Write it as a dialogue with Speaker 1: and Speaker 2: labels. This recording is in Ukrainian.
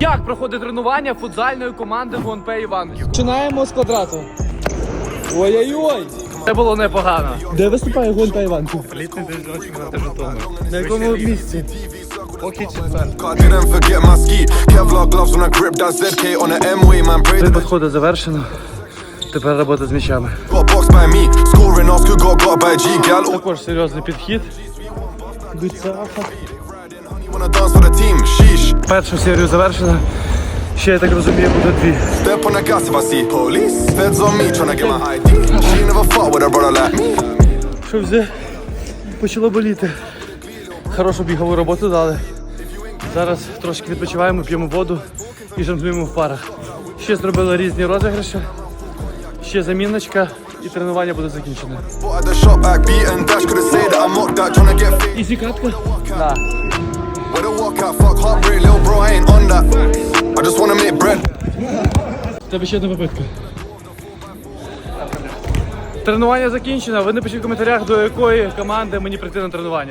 Speaker 1: Як проходить тренування футзальної команди ГУНП Іванович?
Speaker 2: Починаємо з квадрату. Ой-ой-ой!
Speaker 1: Це було непогано.
Speaker 2: Де виступає ГУНП Іванків?
Speaker 1: Літній дивізіон чемпіонату Житомира.
Speaker 2: На якому місці?
Speaker 1: Поки четвер.
Speaker 3: Didn't forget my ski. Kevlar gloves when I grip that ZK on the M-way, man. Braid
Speaker 1: Три підходи завершено. Тепер робота з м'ячами.
Speaker 3: got boxed by me. Scoring off, who got by G. Gal,
Speaker 1: Також серйозний підхід.
Speaker 2: Дуцяха.
Speaker 3: wanna dance for the team. Sheesh.
Speaker 1: Першу серію завершено. Ще, я так розумію, буде дві.
Speaker 3: Step on the gas if I see police. Feds on me tryna get my ID. She never fought with a brother like me.
Speaker 1: Що вже почало боліти. Хорошу бігову роботу дали. Зараз трошки відпочиваємо, п'ємо воду і жонглюємо в парах. Ще зробили різні розіграші. Ще заміночка і тренування буде закінчено.
Speaker 3: But at the shop back beaten dash could've said that I'm mocked that tryna get fit.
Speaker 1: Ізі катка? Да.
Speaker 3: Where the walkout, fuck heartbreak, little bro, I ain't on that. I just wanna make bread.
Speaker 1: У тебе ще одна попитка. Тренування закінчено. Ви напишіть в коментарях, до якої команди мені прийти на тренування.